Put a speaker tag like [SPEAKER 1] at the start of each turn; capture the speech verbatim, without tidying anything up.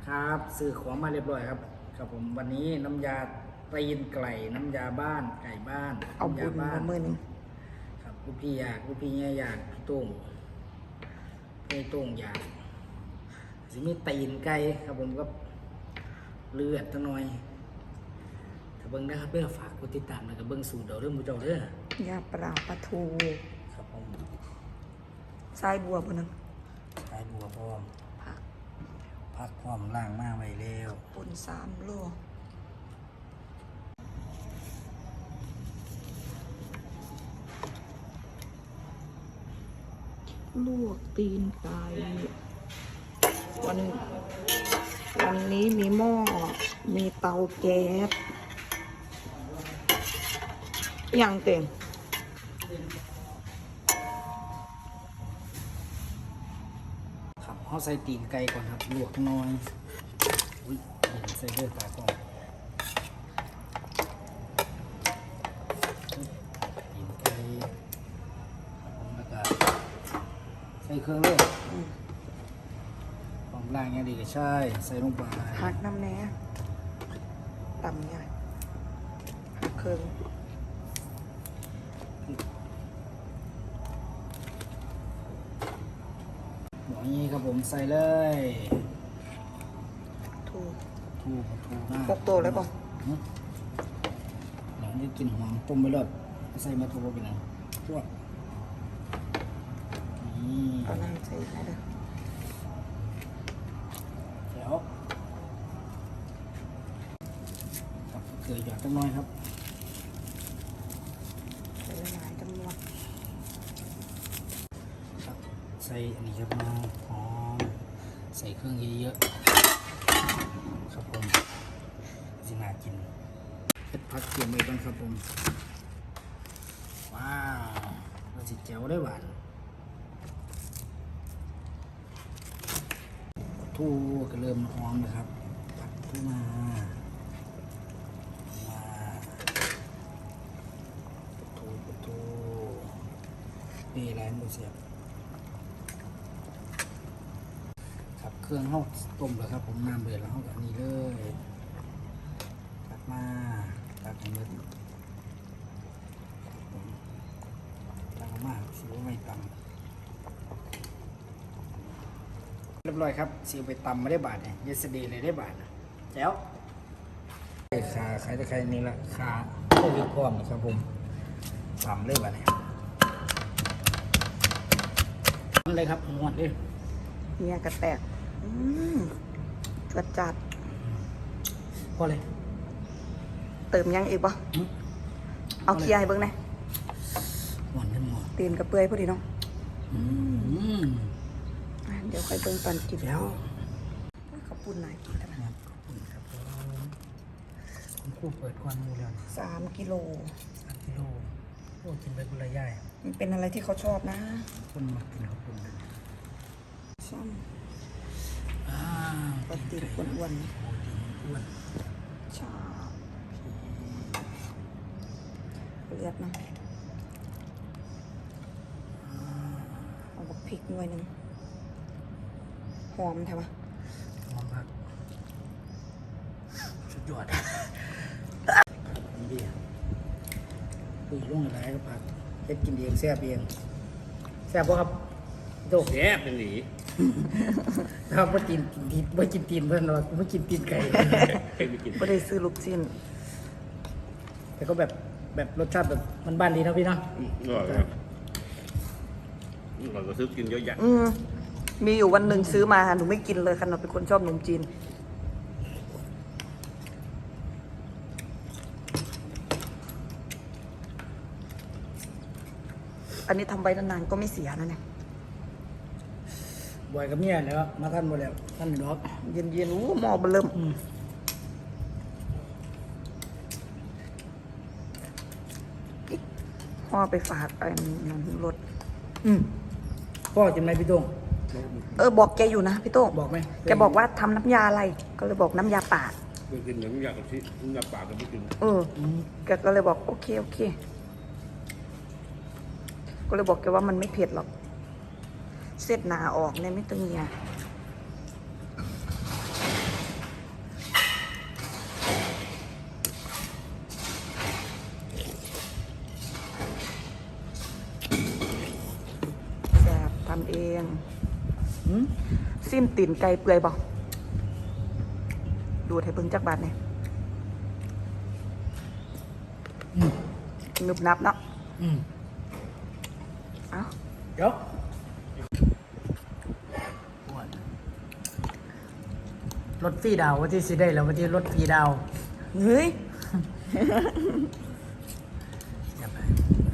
[SPEAKER 1] ครับซื้อของมาเรียบร้อยครับครับผมวันนี้น้ำยาตีนไก่น้ำยาบ้านไก่บ้าน
[SPEAKER 2] เอาบุญมาเมื่อนึง
[SPEAKER 1] ครับลูกพี่อยากลูกพี่เนี่ยอยากพี่ตุ้งพี่ตุ้งอยากสิมีตีนไก่ครับผมก็เลือดตั้งหน่อยถ้าเบิ้งได้ครับเพื่อฝากกดติดตามแล้วก็เบิ้งสูตรเดี๋ยวเรื่องมูเจ้าเด้อย
[SPEAKER 2] าปลาปลาทู
[SPEAKER 1] ครับผม
[SPEAKER 2] ทรายบัวบนนึง
[SPEAKER 1] ไก่บัวพร้อม
[SPEAKER 2] ผัก
[SPEAKER 1] ผักพร้อมล่างมาไว้แล้ว
[SPEAKER 2] ปุ่นสามโลลวกตีนไก่วันวันนี้มีหม้อมีเตาแก๊สอย่างเต็ม
[SPEAKER 1] ครับเขาใส่ตีนไก่ก่อนครับลวกน้อยอุ้ยเห็นใส่เลือดตาก่อนตีนไก่ครับผมแล้วก็ใส่เครื่องเลยหอมล่างอย่างดีก็ใช่ใส่ลงไป
[SPEAKER 2] หักน้ำแหน่ต่ำใหญ่หักเครื่อง
[SPEAKER 1] หมอนี้ครับผมใส่เลย
[SPEAKER 2] ถูก
[SPEAKER 1] ถูกถูกมาก
[SPEAKER 2] พกโตเลยป่ะ
[SPEAKER 1] เดี๋ยวจะกินหอมต้มไปเลยใส่มาถูกไปหน่อยพวกนี่
[SPEAKER 2] เอาน้ำใส่ให้เลย
[SPEAKER 1] เดี๋ยวกับเกลือหยอดจังน้อยครับ
[SPEAKER 2] ใส่ละลายจำนวน
[SPEAKER 1] ครับใส่อันนี้ครับน้องหอมใส่เครื่องเยอะๆครับผมสิน่ากินเผ็ดผักเกี๊ยวไม่ต้องครับผมว้าวเราสิแจ๋วได้หวานทูก็เริ่มหอมนะครับตักขึ้นมามาทูทูนี่แรงมือเสียบครับเครื่องห้องต้มแล้วครับผมน้ำเดือดแล้วห้องกับนี้เลยตักมาตักให้มืดตักมาสิว่าไม่ต่ำเรียบร้อยครับซีไปตำมาได้บาทเนี่ยเยสเดย์เลยได้บาทนะแจ๋วขาขายตะไคร้นี่ละขาโอ้ยพร้อมนะครับผมตำเลยบาทเนี่ยนั่นเลยครับงวดเลย
[SPEAKER 2] เนี่ยกระแตกอืมจวดจัด
[SPEAKER 1] พอเลย
[SPEAKER 2] เติมยังอีกปะเอาเคี่ยวให้เบิ้งหน่อย
[SPEAKER 1] หวานกันหมด
[SPEAKER 2] ตีนกระเปื่อยพอดีเนาะ
[SPEAKER 1] อืม
[SPEAKER 2] เดี๋ยวค่อยเบิ่งตอนกิน
[SPEAKER 1] แล้ว
[SPEAKER 2] ข้าวปุ้นหน่อยกินกันนะ
[SPEAKER 1] ขอบคุณครับผมคู่เปิดควันมูแล้ว
[SPEAKER 2] สามกิโล
[SPEAKER 1] สามกิโลโอ้กินไปกุละย่าย
[SPEAKER 2] มันเป็นอะไรที่เขาชอบนะ
[SPEAKER 1] คนมากินข้าวปุ้นเลย
[SPEAKER 2] ซ้ำ
[SPEAKER 1] อ่า
[SPEAKER 2] ปกติอ้วนอ้วน
[SPEAKER 1] อ้วน
[SPEAKER 2] ชาเลือดนะเอาบักพริกหน่วยหนึ่งหอมใช่ปะ
[SPEAKER 1] หอมครับสุดยอดดีคุยลงอะไรก็ผักเฮ็ดกินเองแซ่บเองแซ่บป่ะครับโด
[SPEAKER 3] แซ่บเป็นหนี
[SPEAKER 1] ถ้าไม่กินตีนไม่กินตีนเพื่อนเราไม่กินตีนไก่
[SPEAKER 2] ไม่ได้ซื้อลูกชิ้น
[SPEAKER 1] แต่ก็แบบแบบรสชาติแบบมันบ้านดีนะพี่เนาะ
[SPEAKER 3] อร่อยครับเราก็ซื้อกินเยอะแยะ
[SPEAKER 2] อืมมีอยู่วันหนึ่งซื้อมาหนูไม่กินเลยค่ะหนูเป็นคนชอบขนมจีนอันนี้ทำไว้นานๆก็ไม่เสียนะเนี่ย
[SPEAKER 1] บ่อยกับเมียแล้วมาท่านหมดแล้วท่านหนึ่งรอบ
[SPEAKER 2] เย็นๆอู้หม้อเบลิ่มพ่อไปฝากไอ้นั่นรถ
[SPEAKER 1] อืมพ่อจำไหมพี่โต้ง
[SPEAKER 2] เออบอกแกอยู่นะพี่โต้ง
[SPEAKER 1] บอกไหม
[SPEAKER 2] แกบอกว่าทำน้ำยาอะไรก็เลยบอกน้ำยาป่า
[SPEAKER 3] ไปกินน้ำยากะทิน้ำยาป่าก็ไม่กิน
[SPEAKER 2] เออแกก็เลยบอกโอเคโอเคก็เลยบอกแกว่ามันไม่เผ็ดหรอกเสร็จหนาออกเนี่ยไม่ตึงเนี่ยง
[SPEAKER 1] หืม
[SPEAKER 2] ซิมตีนไก่เปื่อยบ่ดูดให้เบิ่งจักบาทเนี่ย
[SPEAKER 1] อืม
[SPEAKER 2] นึบนับเนาะ
[SPEAKER 1] อืม
[SPEAKER 2] เอ้า
[SPEAKER 1] เดี๋ยวรถฟรีดาววันที่สิได้แล้ววันที่รถฟรีดาว
[SPEAKER 2] เฮ้ย
[SPEAKER 1] อย่าไป